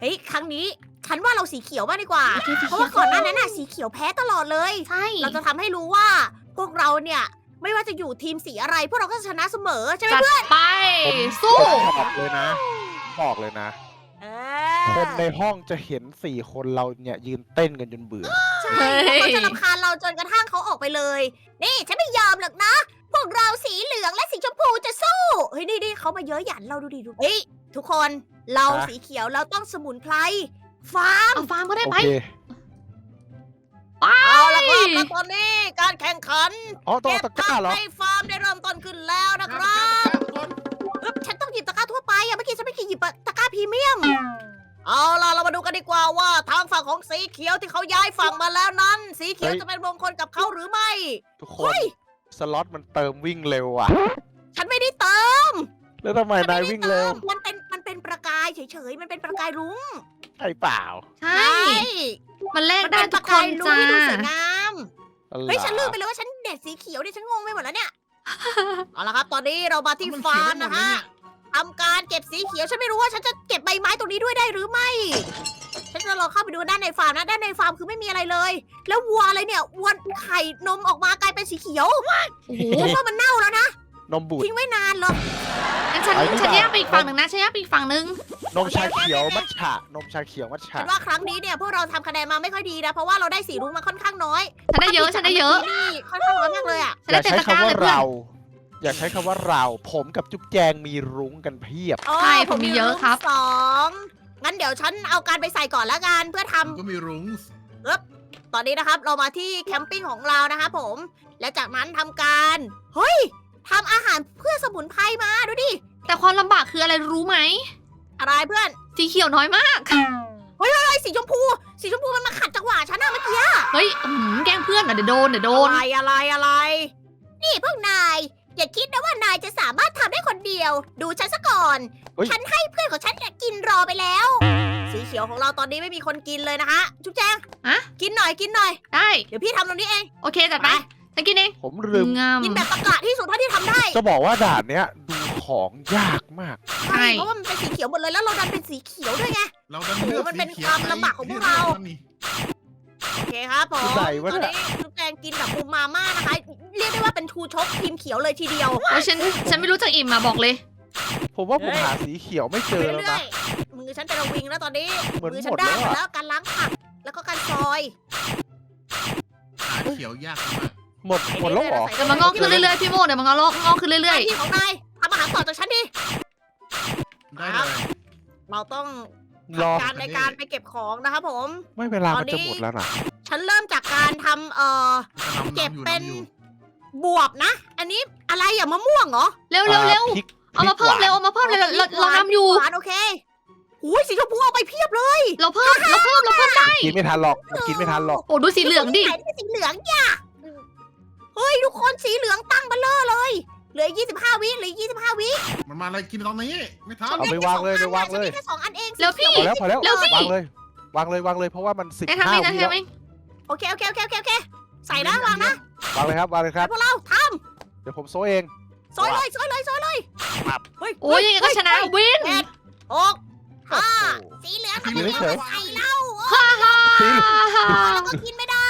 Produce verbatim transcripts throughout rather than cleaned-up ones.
เฮ้ยครั้งนี้ฉันว่าเราสีเขียวมากดีกว่าโอเคสีเพเขียวราะว่าก่อนหน้านั้นน่ะสีเขียวแพ้ตลอดเลยใช่เราจะทำให้รู้ว่าพวกเราเนี่ยไม่ว่าจะอยู่ทีมสีอะไร พวกเราก็จะชนะเสมอใช่ไหมจัดเพื่อนไป สู้บอกเลยนะ บอกเลยนะเอคอนในห้องจะเห็นสี่คนเราเนี่ยยืนเต้นกันจนเบื่อใช่เขาจะรำคาญเราจนกระทั่งเขาออกไปเลย นี่ฉันไม่ยอมหรอกนะ พวกเราสีเหลืองและสีชมพูจะสู้ เฮ้ยนี่นี่เขามาเยอะหยันเราดูดิดูเฮ้ยทุกคนเราฮะสีเขียวเราต้องสมุนไพรฟาร์มเอาฟาร์มก็ได้โอไปเคไปเอาละครับแล้วตอนนี้การแข่งขันอ๋อต้องเก็บเอาตะกร้าเหรอให้ฟาร์มได้เริ่มต้นขึ้นแล้วนะครับเอ๊บฉันต้องหยิบตะกร้าทั่วไปอะเมื่อกี้ฉันไม่เคยหยิบตะกร้าพรีเมียม เอาล่ะเรามาดูกันดีกว่าว่าทางฝั่งของสีเขียวที่เขาย้ายฝั่งมาแล้วนั้น สีเขียวเฮ้ยจะเป็นมงคลกับเขาหรือไม่ทุกคเฮ้นยสล็อตมันเติมวิ่งเร็วอ่ะฉันไม่ได้เติมแล้วทำไมฉันนายไม่ได้วิ่งเติเร็วมมันเป็นมันเป็นประกายเฉยๆมันเป็นประกายรุ้งใช่เปล่าใช่ มันแลกมันได้เป็นปทุระกคกาน ยรุ้งจ้าที่ดูสวยงามอะไรเฮ้ยฉันลืมไปเลยว่าฉันเด็ดสีเขียวเนี่ยฉันงงไปหมดแล้วเนี่ย เอาละครับตอนนี้เรามาที่ฟาร์มนะฮะทำการเก็บสีเขียวฉันไม่รู้ว่าฉันจะเก็บใบไม้ตรงนี้ด้วยได้หรือไม่ ฉันจะลองเข้าไปดูด้านในฟาร์มนะด้านในฟาร์มคือไม่มีอะไรเลย แล้ววัวอะไรเนี่ยวัวไข่นมออกมากลายเป็นสีเขียวโอ้โหฉันว่ามันเน่าแล้วนะนมบูดทิ้งไว้นานเลยงั้นฉันไอ้นี่ฉันเปล่าแยกไปอีกฝั่งหนึ่งนะฉันแยกไปอีกฝั่งหนึ่งนมชาเขียวมัทฉะนมชาเขียวมัทฉะฉันว่าครั้งนี้เนี่ยพวกเราทำคะแนนมาไม่ค่อยดีนะเพราะว่าเราได้สีรุ้งมาค่อนข้างน้อยฉันได้เยอะ ฉันได้เยอะนี่ค่อนข้างน้อยมากเลยอ่ะฉันอได้ย่าเต็มใช้ตะกร้าคำว่าเลยเพื่อนเรา อย่าใช้คำว่าเรา ผมกับจุ๊บแจงมีรุ้งกันเพียบใช่ผมมีเยอะครับสองงั้นเดี๋ยวฉันเอาการไปใส่ก่อนละกันเพื่อทำก็มีรุ้งตอนนี้นะครับเรามาที่แคมปิ้งของเรานะคะผม และจากนั้นทำการเฮ้ยทำอาหารเพื่อสมุนไพรมาดูดิแต่ความลำบากคืออะไรรู้ไหมอะไรเพื่อนสีเขียวน้อยมากไอ้สีชมพู สีชมพูมันมาขัดจังหวะฉันนะเมื่อกี้เฮ้ยอื้อหือแกล้งเพื่อนอ่ะเดี๋ยวโดน เดี๋ยวโดนอะไรอะไรอะไร นี่พวกนาย อย่าคิดนะว่านายจะสามารถทำได้คนเดียว ดูฉันซะก่อนเฮ้ยฉันให้เพื่อนของฉันเนี่ยกินรอไปแล้ว สีเขียวของเราตอนนี้ไม่มีคนกินเลยนะคะ จุ๊บแจงอะกินหน่อยกินหน่อยได้เดี๋ยวพี่ทำตรงนี้เองโอเคจัดไป ฉันกินเองผมลืมงามกินแบบตะกะที่สุดเท่าที่ทำได้จะบอกว่าด่านเนี้ยดูของยากมากใช่เพราะว่ามันเป็นสีเขียวหมดเลยแล้วเราดันเป็นสีเขียวด้วยไงเราดันเลือกมันเป็นสีขียความลำบากของพวกเรานี่โอเคครับผมไหนวะตอนเนี่ยนี้จุ๊บแจงกินแบบปูมาม่านะคะ เรียกได้ว่าเป็นทูชกทีมเขียวเลยทีเดียวโอ้ยฉัน ฉันไม่รู้จักอิ่มมาบอกเลยผมว่าผมเฮ้ยหาสีเขียวไม่เจอแล้วเรื่อนะยๆมือฉันเป็นระวิงแล้วตอนนี้เหมือนมือหฉัมนดด้านแล้วหมดอะแล้วการล้างผักแล้วก็การซอยหาเขียวยากมากหมดหมดแล้วเหรอเดี๋ยวมันงอกขึ้นเรื่อยๆ พี่โมเดี๋ยวมันงอกงอกขึ้นหเรื่น้าอยที่ของนายทำอาหารต่อจากฉันดิได้เลยเราต้องรอการในการไปเก็บของนะครับผมไม่เวลามันตอนนี้จะหมดแล้วนะฉันเริ่มจากการทำเอ่อน้ำเก็บน้ำอยู่เป็นน้ำอยู่บวบนะ อันนี้อะไรอ่ะมะม่วงเหรอๆ เร็วเร็วเร็วพริกเอามาเพิ่มเร็ว เอามาเพิ่มเร็วเราเราเรานำอยู่หวานโอเคหูยสีชมพูเอาไปเพียบเลยเราเพิ่ม เราเพิ่ม เราเพิ่มได้กินไม่ทันหรอกมันกินไม่ทันหรอกโอ้ดูสีเหลืองดิไหนเป็นสีเหลืองย่ะเฮ้ยทุกคนสีเหลืองตั้งเบลเลอร์เลย เหลือยี่สิบห้าวิเหลือยี่สิบห้าวิมันมาอะไรกินตอนนี้ ไม่ทันเอาไปวางเลยไปวางเลยฉันมีแค่สองอันเองแล้วพี่พอแล้วพอแล้วเร็วสิวางเลย วางเลยวางเลยเพราะว่ามันสิบไอ้ทำห้าเองนะวิทำแล้วเองโอเคโอเคโอเคโอเคโอเคใส่นะวางนะวางเลยครับวางเลยครับพวกเราทเดี๋ยวผมโซเองำซอยเลยซอยเลยซอยเลยครับเฮ้ยโอ้ยยังไงก็ชนะวินเจ็ดหกห้าโอ้โหสีเหลืองสีทำเหลืไมองไม่เอามาใส่เล่าฮ่าฮ่าสีแล้วก็กินไม่ได้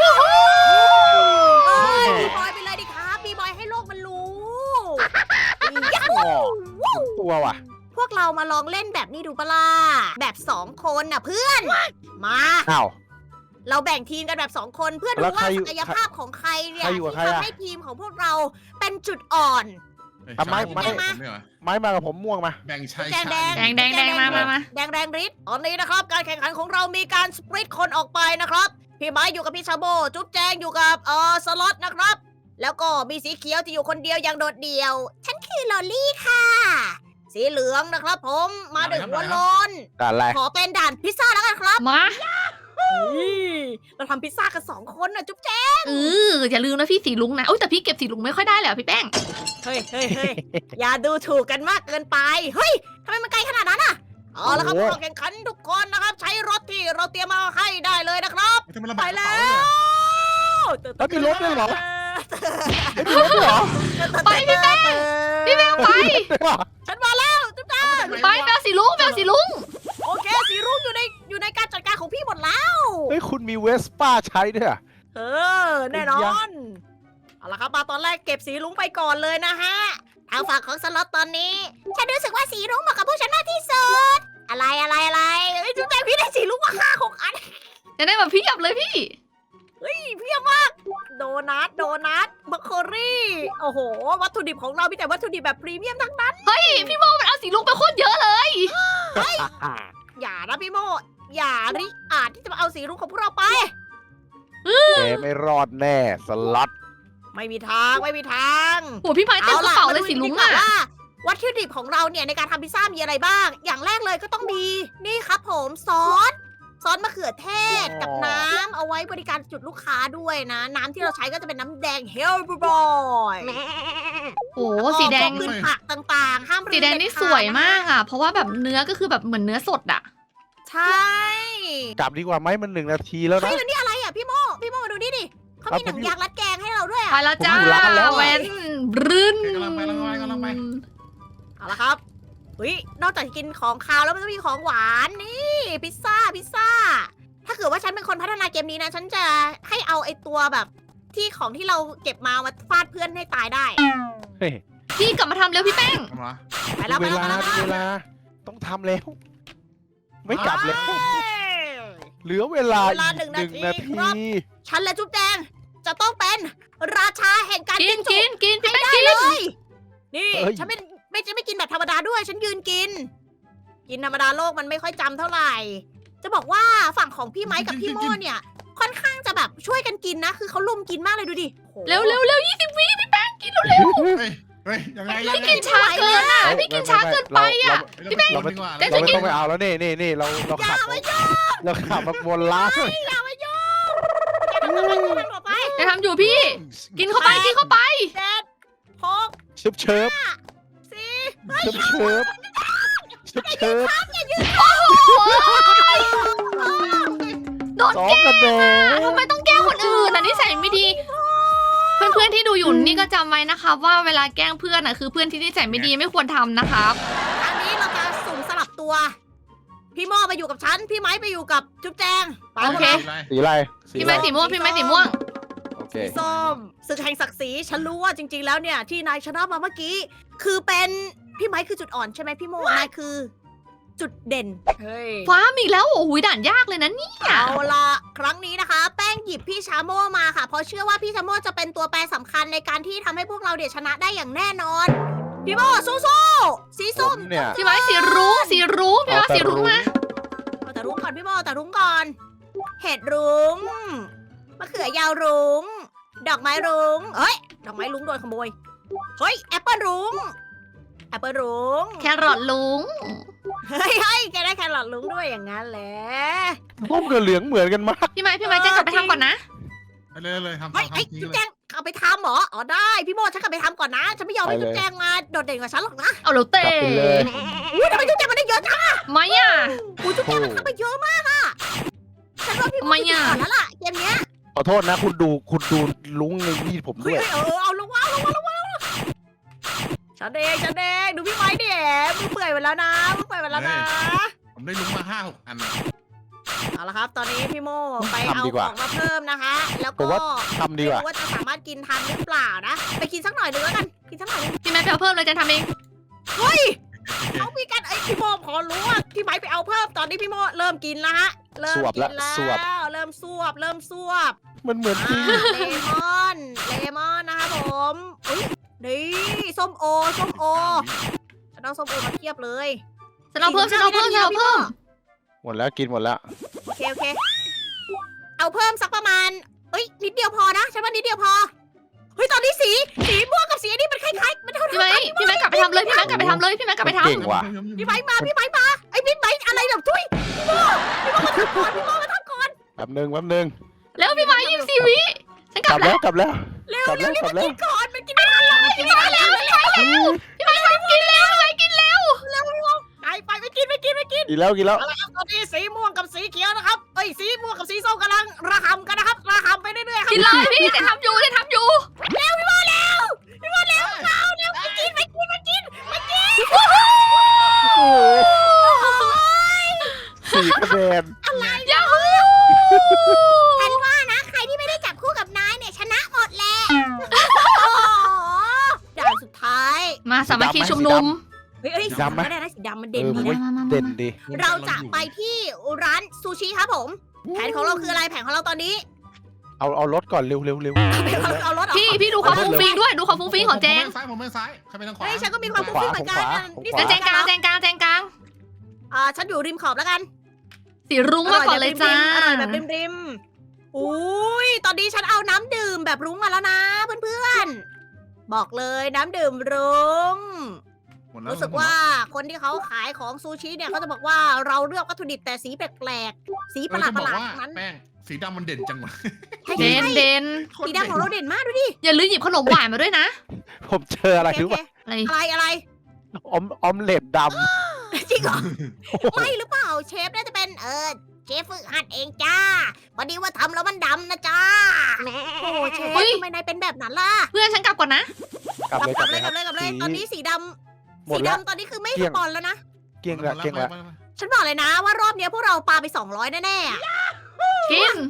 เฮ้ยบีบอยไปเลยดิครับบีบอยให้โลกมันรู้ยัฮูอ๋อตัวว่ะพวกเรามาลองเล่นแบบนี้ดูปะล่ะแบบสองคนน่ะเพื่อน มาอ้าวเราแบ่งทีมกันแบบสองคนเพื่อดูแล้วใครว่าอยู่ศักยภาพของใครเนี่ยใครอยู่กับที่ใครอะทำให้ทีมของพวกเราเป็นจุดอ่อนทำไมไม่ไม่ผมเนี่ยเหรอไม้มากับผมม่วงมาแบ่งชายแดงชาแดงแดงแดงแดงมามามาแดงแดงฤทธิ์ตอนนี้นะครับ การแข่งขันของเรามีการสปริตคนออกไปนะครับ พี่ไม้อยู่กับพี่ชาโบ จุ๊บแจงอยู่กับเออสล็อตนะครับ แล้วก็มีสีเขียวที่อยู่คนเดียวอย่างโดดเดี่ยว ฉันคือลอลลี่ค่ะ สีเหลืองนะครับผมมาดึงหัวโลนด่านอะไรขอเป็นด่านพิซซ่าแล้วกันครับมาเราทำพิซซ่ากันสองคนนะจุ๊บแจงเอออย่าลืมนะพี่สีลุงนะโอ้ยแต่พี่เก็บสีลุงไม่ค่อยได้เลยอะพี่แป้งเฮ้ยเฮ้ยเฮ้ยอย่าดูถูกกันมากเกินไป เฮ้ยทำไมมันไกลขนาดนั้นอ่ะเอาละครับโอ้ผู้โหเข้าแข่งขันทุกคนนะครับ ใช้รถที่เราเตรียมมาให้ได้เลยนะครับทำไมลำไปบากกระแล้เป๋าเนี่ยวแล้วมีรถด้วยเหรอ เฮ้ยมีรถด้วยเหรอไปพี่แป้ง พี่แป้งไปฉันมาแล้วจุ๊บแจงไปแปลสีลุงแปลสีลุงโอเคสีรุ่งอยู่มีเวสป้าใช้ด้วยอะเออ แน่นอน เอาละครับมาตอนแรกเก็บสีรุ้งไปก่อนเลยนะฮะ ทางฝั่งของสล็อตตอนนี้ ฉันรู้สึกว่าสีรุ้งเหมาะกับพวกฉันมากที่สุด อะไรอะไรอะไรเอ้ยจุ๊บแจงพี่ได้สีรุ้งมาห้าหกอันจะได้แบบพี่หยับเลยพี่เฮ้ยเพียบมาก โดนัท โดนัทบัคเคอรี่ โอ้โห วัตถุดิบของเรามีแต่วัตถุดิบแบบพรีเมียมทั้งนั้นเฮ้ยพี่โมมันเอาสีลุงไปโคตรเยอะเลยอย่านะพี่โม อย่าริอาจที่จะมาเอาสีรุ้งของพวกเราไปแกไม่รอดแน่สล็อตไม่มีทางไม่มีทางโหพี่ไม้เต็มกระเป๋าเลยสีลุงมาอ่ะดูดีกว่าว่าวัตถุดิบของเราเนี่ยในการทำพิซซ่ามีอะไรบ้าง อย่างแรกเลยก็ต้องมีนี่ครับผมซอส ซอสมะเขือเทศกับน้ำเอาไว้บริการจุดลูกค้าด้วยนะ น้ำที่เราใช้ก็จะเป็นน้ำแดงเฮลบรอยโอ้สีแดงขึ้นผักต่างๆ ห้ามลืมสีแดงนี่เขาสวยมากอ่ะ เพราะว่าแบบเนื้อก็คือแบบเหมือนเนื้อสดอ่ะใช่กลับดีกว่าไหมมันหนึ่งนาทีแล้วเฮ้นะยแล้วนี่อะไรอ่ะพี่โมพี่โมมาดูนี่ดิเขามีหนังยางรัดแกงให้เราด้วยไปอ่ะแล้วจ้าผมอยู่ร้านแล้วอะแวนบรึ้นกำลังไปกำลังไปกำลังไปเอาละครับเฮ้ยนอกจากจะกินของคาวแล้วมันก็มีของหวานนี่พิซซ่าพิซซ่า ถ้าเกิดว่าฉันเป็นคนพัฒนาเกมนี้นะ ฉันจะให้เอาไอ้ตัวแบบที่ของที่เราเก็บมามาฟาดเพื่อนให้ตายได้เฮ้ยพี่กลับมาทำเร็วพี่แป้งทำมาไปแล้วไปเวแล้วลาไปแล้วเวลาต้องทำแล้ว ไม่กลับแล้วเฮ้ยเหลือเวลาเวลาอีกหนึ่งหนึ่งนานาทีทีครับ ฉันและจุ๊บแดงจะต้องเป็นราชาแห่งการกิกินนจุกินกินพี่แป้งได้กินเลย นี่เอ้ยฉันไม่ไม่จะไม่กินแบบธรรมดาด้วย ฉันยืนกิน กินธรรมดาโลกมันไม่ค่อยจำเท่าไหร่ จะบอกว่าฝั่งของพี่ไม้กับพี่โม่เนี่ย ค่อนข้างจะแบบช่วยกันกินนะ คือเขาลุมกินมากเลยดูดิโอ้โหเร็วเร็วเร็วยี่สิบวิพี่แป้งกินเร็วเร็วเฮ้ยเฮ้ยยังไงยังพี่ไงกินช้าเกินอ่ะเฮ้ยพี่กินช้าเกินไปอ่ะพี่แป้งดีกว่าเดี๋ยวเราจะไม่กินต้องไปเอาแล้วนี่นี่นี่เราเราอย่าขับมายุ่งเราขับมาบนล้างอย่ามายุ่งอย่าทำต่อไปอย่าทำต่อไปจะทำอยู่พี่ กินเข้าไปกินเข้าไปเจ็ดหกเชิบเชิบสี่เชิบเชิบเชิบเชิบโดนสองแกล้งคะแนนทำไมต้องแกล้งคนอื่นอ่ะนิสัยไม่ดี เพื่อนๆที่ดูอยู่นี่ก็จำไว้นะคะว่าเวลาแกล้งเพื่อนอ่ะคือเพื่อนที่นิสัยไม่ดีไม่ควรทำนะครับอันนี้เราจะสุ่มสลับตัว พี่โม่ไปอยู่กับฉัน พี่ไม้ไปอยู่กับจุ๊บแจงไปโอเคสีอะไรพี่ไม้สีม่วงพี่ไม้สีม่วงโอเคสีส้มศึกแห่งศักดิ์ศรีฉันรู้ว่าจริง ๆ แล้วเนี่ยที่นายชนะมาเมื่อกี้ คือเป็นพี่ไม้คือจุดอ่อนใช่ไหมพี่โม่นายคือ จุดเด่นเฮ้ยฟ้ามีอีกแล้วโอ้โหด่านยากเลยนะเนี่ยเอาละครั้งนี้นะคะ แป้งหยิบพี่ชาโม่มาค่ะ เพราะเชื่อว่าพี่ชาโม่จะเป็นตัวแปรสำคัญในการที่ทำให้พวกเราเดี๋ยวชนะได้อย่างแน่นอน พี่โม่สู้ๆสีส้มผมเนี่ยพี่ไม้สีรุ้งสีรุ้งพี่ไม้สีรุ้งมาเอาแต่รุ้งก่อนพี่โม่เอาแต่รุ้งก่อน เห็ดรุ้งมะเขือยาวรุ้ง ดอกไม้รุ้งเฮ้ย ดอกไม้รุ้งโดนขโมย เฮ้ยแอปเปิลรุ้งแอปเปิลรุ้งแครอทลุงเฮ้ยเฮ้ยแกได้แครอทรุ้งด้วยอย่างนั้นแหละส้มกับเหลืองเหมือนกันมากพี่ไม้พี่ไม้แจ้งกลับไปทำก่อนนะไปเลยเลยทำเฮ้ยทำไอ้ยทำจุ๊บแจงเอาไปทำเหรอ อ๋อได้ พี่โมฉันกลับไปทำก่อนนะ ฉันไม่ยอมให้ไปเลยจุ๊บแจงมาโดดเด่นกว่าฉันหรอกนะเอาแล้วเตะกลับไปเลยอุ้ยทำไมจุ๊บแจงมันได้เยอะจังไม่อ่ะอุ้ยจุ๊บแจงมันทำไปเยอะมากอะฉันว่าพี่โมทำไมจุดอะอ่อนแล้วล่ะเกมเนี้ยขอโทษนะ คุณดูคุณดูลุงในนี่ผมเฮ้ด้วย ยเฮ้ยเออเอาลงว่าเอาลงว่าเอาลงว่าเอาลงว่าฉันเองฉันเองดูพี่ไม้ดิมือเปื่อยไปแล้วนะมือเปื่อยไปแล้วนะผมได้ลุงมาห้าหกอันเอาละครับ ตอนนี้พี่โมไปทำเอาดีขกว่าองมาเพิ่มนะคะ แล้วผมก็ว่า ทำดีไม่กว่ารู้ว่าจะสามารถกินทันหรือเปล่านะ ไปกินสักหน่อยหนึงแล้วกัน กินสักหน่อยหนึงพี่ไม้ไปเอาเพิ่มเลยจะทำเองเฮ้ย เอามีกันไอยพี่โมพอรู้ว่าพี่ไม้ไปเอาเพิ่มตอนนี้พี่โมเริ่มกินแล้วฮะ เริ่มสวบกิละนแล้วสวบเริ่มสวบ เริ่มสวบมันเหมือนจริงอ่าเลมอน เลมอนนะครับผมอุ้ยนี่ส้มโอ ส้มโอ ฉันเอาส้มโอมาเทียบเลยฉันเอาเพิ่มฉันเอาเพิ่มฉันเอาเพิ่มหมดแล้วกินหมดแล้วโอเคโอเค เอาเพิ่มสักประมาณเอ้ยนิดเดียวพอนะ ฉันว่านิดเดียวพอ เฮ้ยตอนนี้สี สีม่วงกับสีอันนี้มันคล้ายๆมันเท่าพี่ๆไม้กันพี่ไม้กลับไปทำเลยพี่ไม้กลับไปทำเลยพี่ไม้กลับไปทำเก่งว่ะพี่ไม้มา พี่ไม้มาไอ้พี่ไม้อะไรแบบทุยพี่โมพี่โมมาทำก่อนพี่โมมาทำก่อนแป๊บนึงแป๊บนึงแล้วพี่ไม้ยี่สิบสี่วิฉันกกลัลับบ แล้แล้ว วกลับแล้วเร็วกลับเร็แล้ว วรีบกลัมาบแล้วกินก่อนมันกินไม่ทันแล้วมันกินไม่ทันแล้วเร็วเร็วพี่ไม้ทำกินแล้วพี่ไม้กินแล้วไปไปไปกินไปกินไปกินกินแล้วกินแล้วเอาละครับตอนนี้สีม่วงกับสีเขียวนะครับเอ้ยสีม่วงกับสีส้มกำลังระหำกันนะครับระหำไปเรื่อยๆครับกินเลยพี่จะทำอยู่จะทำอยู่เร็วพี่โมเร็วพี่โมเร็วเอาเร็วไปกินไปกินไปกินไปกินโอ้โหสี่คะแนนยาฮูฉันว่านะใครที่ไม่ได้จับคู่กับนายเนี่ยชนะหมดแหละโอ้โหด่านสุดท้ายมาสามัคคีชุมนุมเฮ้ยเฮ้ยสีดำไม่ได้นะสีดำมันเด่นเออดีผมนะว่ามามามาเด่นดีเราจะไปที่ร้านซูชิครับผม แผนของเราคืออะไรแผนของเราตอนนี้เอาเอารถก่อนเร็วเร็วเร็วเอารถเหรอพี่พี่ดูความฟุ้งฟิ้งด้วยดูความฟุ้งฟิ้งของแจงผมไปซ้ายผมไปซ้ายใครไปทางขวาเฮ้ยฉันก็มีความฟุ้งฟิ้งเหมือนกันนี่แล้วแจงกลางแจงกลางแจงกลางอ่าฉันอยู่ริมขอบแล้วกันสีรุ้งมาก่อนเลยจ้าอร่อยแบบริมๆอุ้ยตอนนี้ฉันเอาน้ำดื่มแบบรุ้งมาแล้วนะเพื่อนๆบอกเลยน้ำดื่มรุ้งหมดแล้วรู้สึกว่าคนที่เขาขายของซูชิเนี่ยเขาจะบอกว่าเราเลือกวัตถุดิบแต่สีแปลกๆสีปเอระอหลาดจะปบอระกหลาดว่านั้นแป้งสีดำมันเด่นจังวะเด่นเด่นสีดำของเราเด่นมากดูดิอย่าลืมหยิบขนมหวานมาด้วยนะผมเจออะไรโอเครู้โอป่ะเคอะไรอะไรอะไรออมออมเล็ตดจริงเหรอำไม่หรือเปล่าเชฟน่าจะเป็นเออเชฟฝึกหัดเองจ้าพอดีว่าทำแล้วมันดำนะจ้าโอ้เชฟทำไมนายเป็นแบบนั้นล่ะเพื่อนฉันกลับก่อนนะกลับเลยกกลัลับบ เลยเลยกคลัรับบ เลยกลับเลยสีตอนนี้สีดหมำดสีแล้วดำตอนนี้คือไม่เกลี้สยงปอนแล้วนะเกลี้ยงละเกลี้ยงละฉันบอกเลยนะว่ารอบเนี้ยพวกเราปาไปสองร้อยแน่ๆอะกิน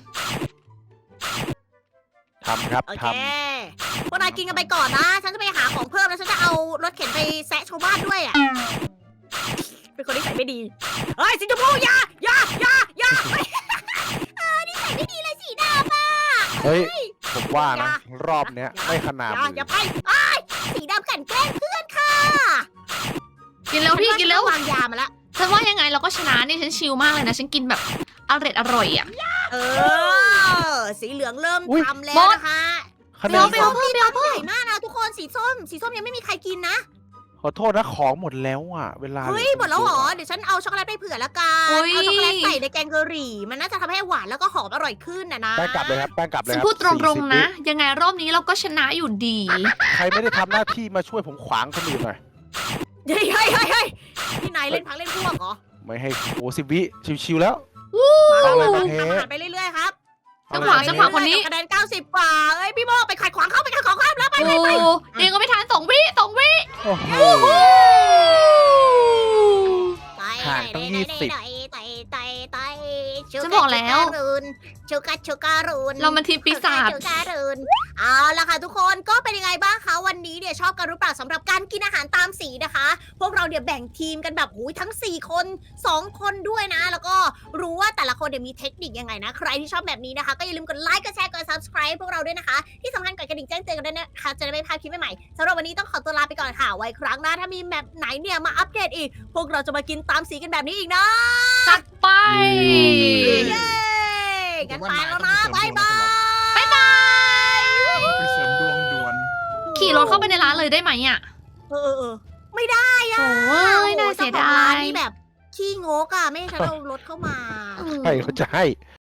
ทำครับโอทเคพวกนายกินกันไปก่อนนะ ฉันจะไปหาของเพิ่มแล้วฉันจะเอารถเข็นไปแซะชาวบ้านด้วยอ่ะเป็นคนที่ใส่ไม่ดีเฮ้ยสีชมพูอย่าอย่าอย่าอย่าเออนี่ใส่ไม่ดีเลยสีดำอ่ะำเฮ้ย ผมว่านะ รอบเนี้ยไม่ขนาดอย่ามืออย่าไปไอ้ายสีดำกลันแกล้งเพื่อนค่ะกินแล้วพี่กินแล้วฉัาวางยามาแล้วฉันว่ายังไงเราก็ชนะนี่ฉันชิลมากเลยนะ ฉันกินแบบอร่อยอร่อยอ่ะเออ สีเหลืองเริ่มทำแล้วบอสนะคะคะแนเดี๋ยนวไปเอาเพิ่มไปเอาเพิ่มใหญ่มากนะทุกคนสีส้ม สีส้มยังไม่มีใครกินนะขอโทษนะของหมดแล้วอ่ะ เวลาเฮ้ยลือหมดแล้วเหรอ เดี๋ยวฉันเอาช็อกโกแลตไปเผื่อละกันอุ๊ยเอาช็อกโกแลตใส่ในแกงกะหรี่ มันน่าจะทำให้หวานแล้วก็หอมอร่อยขึ้นนะนะแป้งกลับเลยครับแป้งกลับเลยฉันครับพูดตรงสี่สิบๆนะ ยังไงรอบนี้เราก็ชนะอยู่ดีใครไม่ได้ทำหน้าที่มาช่วยผมขวางคนอื่นหน่อยเฮ้ยเฮ้ยเฮ้ยเฮ้ยพี่นายเล่นพักเล่นพวกเหรอไม่ให้โอ้สิบวิชิวๆแล้วมาเอาเลยมาประเทศทำอาหารไปเรื่อยๆครับจังหวะจังหวะคนนี้คะแนนเก้าสิบกว่าเอ้ยพี่โมไปขัดขวางเขาไปขัดขวางเขาแล้วไปโอ้เองก็ไม่ทันสองวิสองวิโอ้โหไปห่างตั้งยี่สิบไต่ไต่ไต่ไต่ฉันบอกแล้วชูกาชูการูนเรามันทีมปีศาจชูการูนเอาละค่ะทุกคนก็เป็นยังไงบ้างคะวันนี้เนี่ยชอบกันหรือเปล่าสำหรับการกินอาหารตามสีนะคะ พวกเราเนี่ยแบ่งทีมกันแบบหูยทั้งสี่คนสองคนด้วยนะ แล้วก็รู้ว่าแต่ละคนเนี่ยมีเทคนิคยังไงนะ ใครที่ชอบแบบนี้นะคะ ก็อย่าลืมกดไลค์กดแชร์กด subscribe พวกเราด้วยนะคะ ที่สำคัญกดกระดิ่งแจ้งเตือนกันด้วยนะคะจะได้ไม่พลาดคลิปใหม่ๆสำหรับวันนี้ต้องขอตัวลาไปก่อนค่ะไว้ครั้งหน้าถ้ามีแมปไหนเนี่ยมาอัปเดตอีก พวกเราจะมากินตามสีกันแบบนี้อีกนะจัดไปเย้กันไปแล้วนะบ๊ายบายบ๊ายบายไปเสริมดวงด่วนขี่รถเข้าไปในร้านเลยได้ไหมอ่ะเออเออเออไม่ได้โอ้ยน่าเสียดาจ้ของร้นยนี่แบบขี้งกอ่ะไม่ให้ฉันเอารถเข้ามาใครเขาจะให้